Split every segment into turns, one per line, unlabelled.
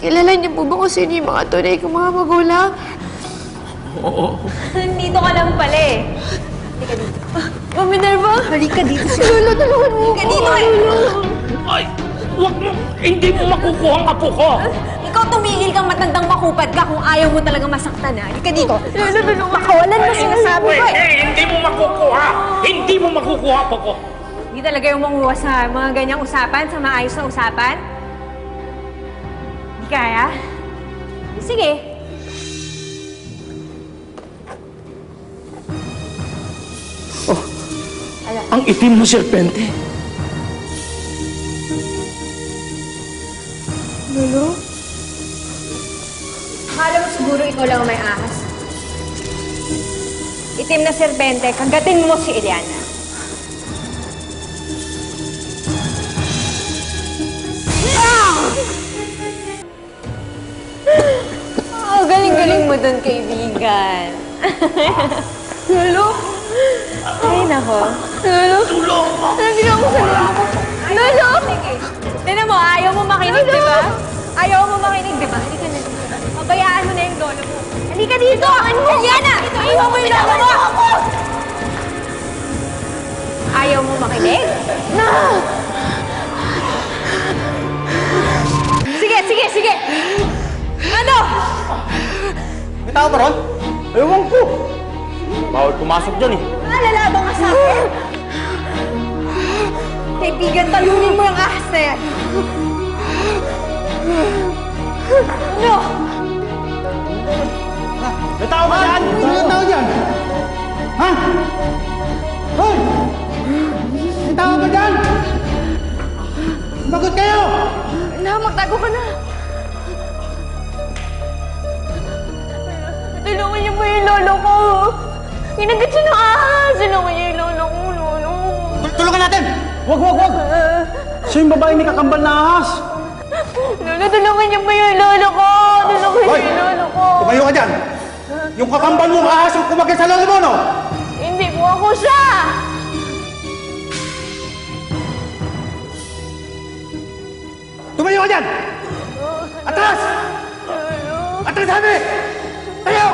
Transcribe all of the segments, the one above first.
kilala niyo po ba kung sino yung mga tunay kong mga magulang?
Oo.
Dito ka lang pala eh. Halika dito.
Ma'am Minerva?
Halika dito.
Lolo, tulungan mo
Halika dito eh.
Ay, wag mo! Hindi mo makukuha ang apo ko!
Ikaw tumigil kang matandang makupad ka kung ayaw mo talaga masaktan ha. Halika dito.
Lolo, tulungan mo.
Pakawalan mo sinasabi ko eh.
Hindi mo makukuha! Hindi mo makukuha apo ko!
Hindi talaga yung manguha sa mga ganyang usapan, sa maayos na usapan? Hindi kaya? Sige.
Ang itim na serpente.
Lolo? Akala mo siguro ikaw lang ang may ahas. Itim na serbente, kagatin mo si Eliana. Galing-galing mo dun, kaibigan.
Lolo?
Ay, nako.
Lolo?
Tulong mo!
Nandito ako sa lolo ko. Lolo!
Tignan mo, ayaw mo makinig, di ba? Ayaw mo makinig, di ba? Halika na dito. Pabayaan mo na yung lolo mo. Halika dito! Eliana! Iwan mo yung lolo mo! Ayaw mo makinig?
Na!
Sige, sige, sige! Ano?
May tao ba ron? Ewan ko. Bawal pumasok dyan eh.
Lalabang ka sa akin? Kaibigan, talunin mo yung ahas na yan. Ano?
May tao ba dyan? May tao dyan? Ha? Hoy! May tao ba dyan? Sumagot kayo!
Na, magtago ka na. Tulungan niyo po yung lolo ko. Ginagat siya ng ahas. Tulungan niyo yung lolo ko, lolo.
Tulungan natin! Wag, wag, wag! Siya yung babae ni kakambal na ahas!
Lolo, tulungan niyo po yung lolo ko. Tulungan niyo
Hoy!
yung lolo ko.
Tumayo ka dyan! Yung kakambal mong ahas yung kumagay sa lolo mo, no?
Hindi po ako siya.
Tumayo ka dyan! Atras! Atras sabi! Tayo!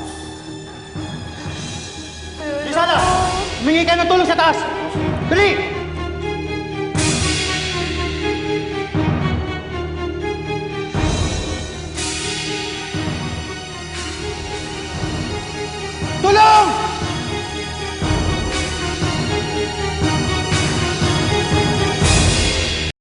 Isala! Humingi ka ng tulong sa taas! Dali!